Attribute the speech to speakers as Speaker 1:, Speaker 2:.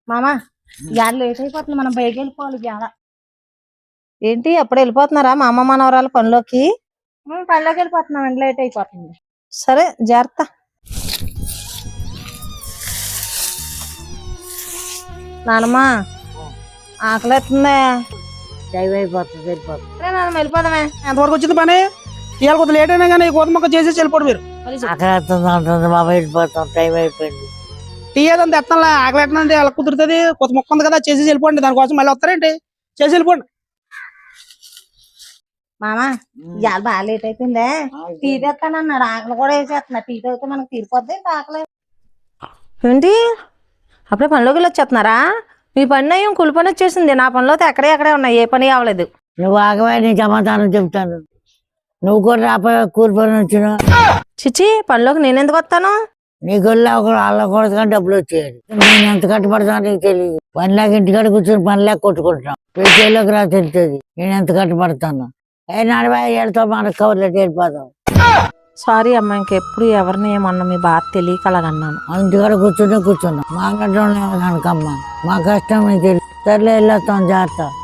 Speaker 1: మామ ఇవాళ లేట్ అయిపోతుంది, మనం బయటకి వెళ్ళిపోవాలి ఇవాళ. ఏంటి అప్పుడు వెళ్ళిపోతున్నారా మా అమ్మ మనవరాలు పనిలోకి? పనిలోకి వెళ్ళిపోతున్నాం, లేట్ అయిపోతుంది. సరే జాగ్రత్త. నానమ్మ ఆకలి ఎత్తుందా?
Speaker 2: టైం అయిపోతుంది, వెళ్ళిపోతుంది.
Speaker 1: సరే నాన్న వెళ్ళిపోదామే.
Speaker 3: ఎంతవరకు వచ్చింది పని? ఇవాళ కొంత లేట్ అయినా కానీ కోత మొక్క చేసేసి వెళ్ళిపోడు మీరు.
Speaker 2: అక్కడ అంటుంది మా వెళ్ళిపోతాం, టైం అయిపోయింది.
Speaker 3: టీ ఏదంతా ఎత్తాలా, ఆకలి ఎట్టనండి ఎలా కుదురుతుంది? కొత్త మొక్క ఉంది కదా, చేసేసి వెళ్ళిపోండి. దానికోసం మళ్ళీ వస్తారేంటి? చేసి వెళ్ళిపోండి.
Speaker 1: మామ ఇవాళ బాగా లేట్ అయిపోయిందే, టీ తెస్తానన్నాడు. ఆకలి కూడా వేసేస్తున్నా, టీ తాగితే మనకు తీరిపోద్ది ఆకలి. ఏంటి అప్పుడే పనిలోకి వెళ్ళి వచ్చేస్తున్నారా? మీ పని అయ్యం కులి పని వచ్చేసింది, నా పనిలో ఎక్కడే ఉన్నాయి, ఏ పని అవ్వలేదు.
Speaker 2: నువ్వు ఆగవా, నీ సమాధానం చెప్తాను. నువ్వు కూడా రాపోయా కూలి పని వచ్చిన.
Speaker 1: చిచ్చి పనిలోకి నేను ఎందుకు వస్తాను?
Speaker 2: నీ గొల్ల ఒక వాళ్ళ కూడా డబ్బులు వచ్చేయాలి. నేను ఎంత కట్టుబడతాను నీకు తెలియదు. పనిలాగా ఇంటికాడ కూర్చొని పనిలాగా కొట్టుకుంటున్నాం. పేచీలోకి రా తెలుస్తుంది నేను ఎంత కట్టుబడతాను. నడవా ఏళ్ళతో మనకు కవర్లెట్ వెళ్ళిపోతాం.
Speaker 1: సారీ అమ్మ, ఇంకెప్పుడు ఎవరిని ఏమన్నా మీ బాధ తెలియక అలాగన్నాను.
Speaker 2: ఇంటికాడ కూర్చున్నాం. మా గడ్డ కనుకమ్మా, మా కష్టం నీకు తెలుసు. సర్లే వెళ్ళొస్తాం, జాగ్రత్త.